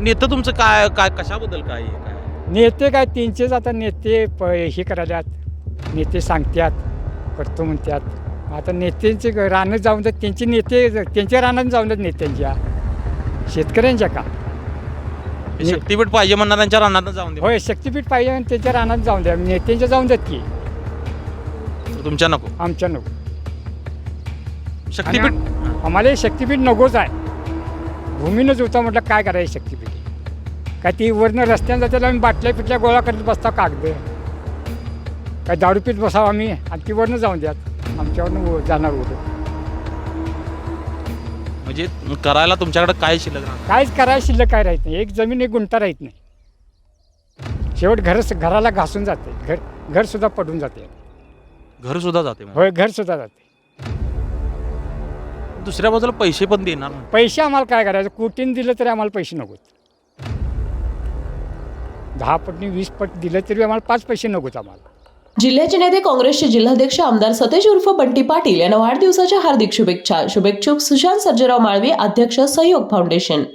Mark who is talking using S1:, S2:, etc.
S1: नेतं तुमचं काय काय कशाबद्दल काय आहे, काय
S2: नेते काय त्यांचेच आता नेते हे करायल्यात, नेते सांगतात करतो म्हणतात. आता नेत्यांचे रानं जाऊन जात, त्यांचे नेते त्यांच्या रानात जाऊन जात नेत्यांच्या, शेतकऱ्यांच्या का.
S1: शक्तीपीठ पाहिजे म्हणणाऱ्यांच्या रानात जाऊन दे.
S2: होय, शक्तीपीठ पाहिजे आणि त्यांच्या रानात जाऊन द्या, नेत्यांच्या जाऊन जात की.
S1: तुमच्या नको
S2: आमच्या नको.
S1: शक्तीपीठ.
S2: आम्हाला हे शक्तीपीठ नकोच आहे. भूमीनंच होता म्हटलं काय करायचं शक्तीपीठ. काय ती वरनं रस्त्यानं जातात आम्ही बाटल्या पिटल्या गोळा करत बसता कागद. काय दारू पीत बसावं आम्ही आणि ती वरनं जाऊन द्यात, आमच्यावरनं जाणार होतं.
S1: म्हणजे करायला तुमच्याकडे काय शिल्लक राहणार?
S2: काहीच करायला शिल्लक काय राहत नाही. एक जमीन एक गुंठा राहत नाही. शेवट घराला घासून जाते, घरसुद्धा पडून जाते.
S1: घर सुद्धा जाते मग.
S2: होय, घरसुद्धा जाते.
S1: दुसऱ्या बाजूला पैसे पण देणार ना.
S2: पैसे आम्हाला काय करायचं, कोटीने दिलं तरी आम्हाला पैसे नकोत. 10 पटनी 20 पट दिलं तरी आम्हाला 5 पैसे नकोत आम्हाला.
S3: जिल्ह्याचे नेते काँग्रेसचे जिल्हाध्यक्ष आमदार सतेज उर्फ बंटी पाटील यांना वाढदिवसाच्या हार्दिक शुभेच्छा. शुभेच्छुक सुशांत सर्जेराव माळवी, अध्यक्ष सहयोग फाउंडेशन.